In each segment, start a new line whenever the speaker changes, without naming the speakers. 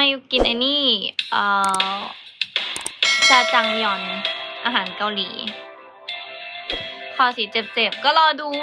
ยุกินไอ้นี่จาจังยอนอาหารเกาหลีคอสีเจ็บๆก็รอดู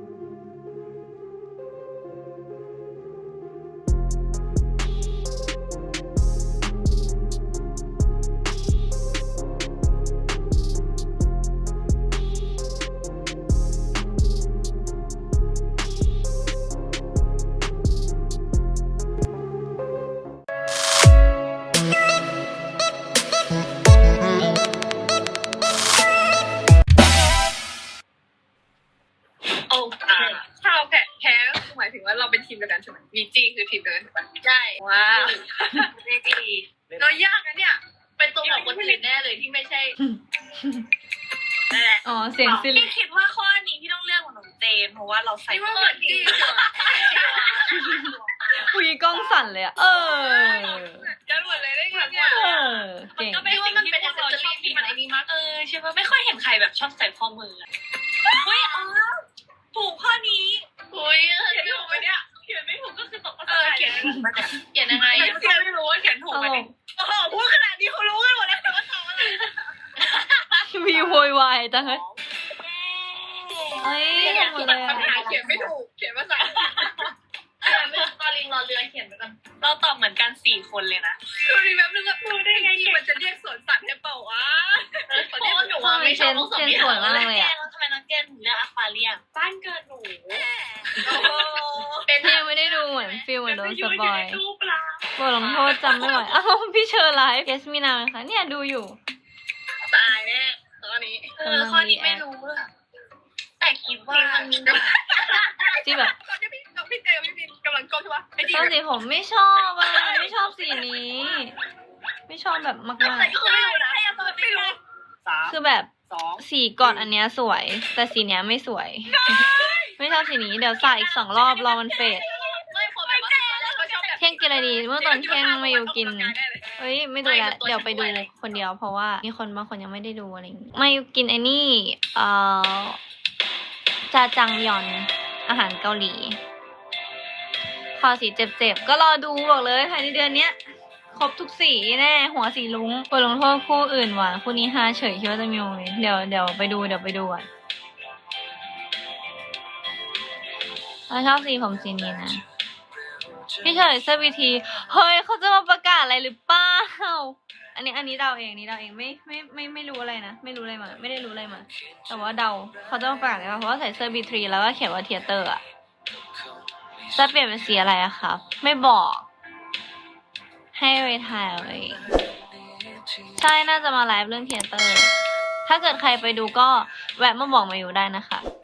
ถ้าเราแพ้หมายถึงว่าเราเป็นทีมเดียวกันใช่ไหมวีจีคือทีมเดียวกันใช่ไหมใช่ว้าววีจีเรายากนะเนี่ยเป็นตัวของคนอื่นแน่เลยที่ไม่ใช่นั่นแหละ
อ๋อเสียงซิลิ
พี่คิดว่าข้อนี้พี่ต้องเลือกของหนูเจนเพราะว่าเราใส่เปิดจี
คุยกล้องสั่นเลยอะ
กันหมดเลยได้ไงเนี่ย
เก่ง
ก็ไม่ว่ามันเป็นแอคเซสซอรี่ที่มันไอ้นี่มากใช่ป่ะไม่ค่อยเห็นใครแบบชอบใส่ข้อมือเฮ้ยถูกข้อนี้เฮ้ยเขียนถูกไหมเนี่ยเขียนไม่ถูกก็คือตกเขียนยังไงเขียนไม่รู้ว่าเขียนถูกไหมโอ้โหพูดขนาดนี้เขารู้กันหมดแล้วว่าทำอะไร
มีโวยวายจังเลยเอ้ยหมดเลย
เขียนไม่ถูกเขียนภาษาตอนลิงรอเรือเขียนไปกันเราตอบเหมือนกัน4 คนเลยนะดูดิแบบนึงพูดได้ไงมันจะเรียกสวนสัตว์ให้เปล่าวะเพราะหนูว่าไม่ชอบ
เจนสวยมากเลยอะ
ทำไมน้องเจนถึงเลือกอควาเรียมบ้านเกิดหนู
เป็นยังไม่ได้ดูเหมือนฟิลเหมือนโดนสปอยบทลงโทษจำไม่ไหวอ้าวพี่เชอร์ไลฟ์เกสมินาค่ะเนี่ยดูอยู่
ตายแน่ข้อนี้ข้อนี้ไม่รู้แต่คิดว่า
ที่แบบ
ตอนนี้พี่เจพี่บินกำลังก้มใช่ปะ
ตอนสีผมไม่ชอบอ่ะไม่ชอบสีนี้ ไม่ชอบแบบมากๆคือแบบสีก่อนอันเนี้ยสวยแต่สีเนี้ยไม่สวยไม่ชอบสีนี้เดี๋ยวใส่อีก2 รอบรอมันเฟดเที่ยงกินอะไรดีเมื่อตอนเที่ยงมาอยู่กินเฮ้ยไม่ดูแล้วเดี๋ยวไปดูคนเดียวเพราะว่ามีคนบางคนยังไม่ได้ดูอะไรอย่างงี้มาอยู่กินไอ้นี่จาจังยอนอาหารเกาหลีคอสีเจ็บๆก็รอดูบอกเลยภายในเดือนเนี้ยครบทุกสีแน่หัวสีลุ้งบทลงโทษคู่อื่นหวานคู่นี้ฮาเฉยคิดว่าจะมีโมเมนต์เดี๋ยวไปดูอ่ะเราชอบสีผมสีนี้นะพี่เฉยเซอร์วีทีเฮ้ยเขาจะมาประกาศอะไรหรือเปล่าอันนี้เดาเองไม่รู้อะไรนะไม่รู้อะไรมาไม่ได้รู้อะไรมาแต่ว่าเดาเขาจะมาประกาศอะไรเพราะว่าใส่เสื้อB3แล้วก็เขียนว่าเทียเตอร์อะจะเปลี่ยนเป็นสีอะไรอะครับไม่บอกให้ไปถ่ายเอาเองใช่น่าจะมาไลฟ์เรื่องเทียเตอร์ถ้าเกิดใครไปดูก็แวะมาบอกมาอยู่ได้นะคะ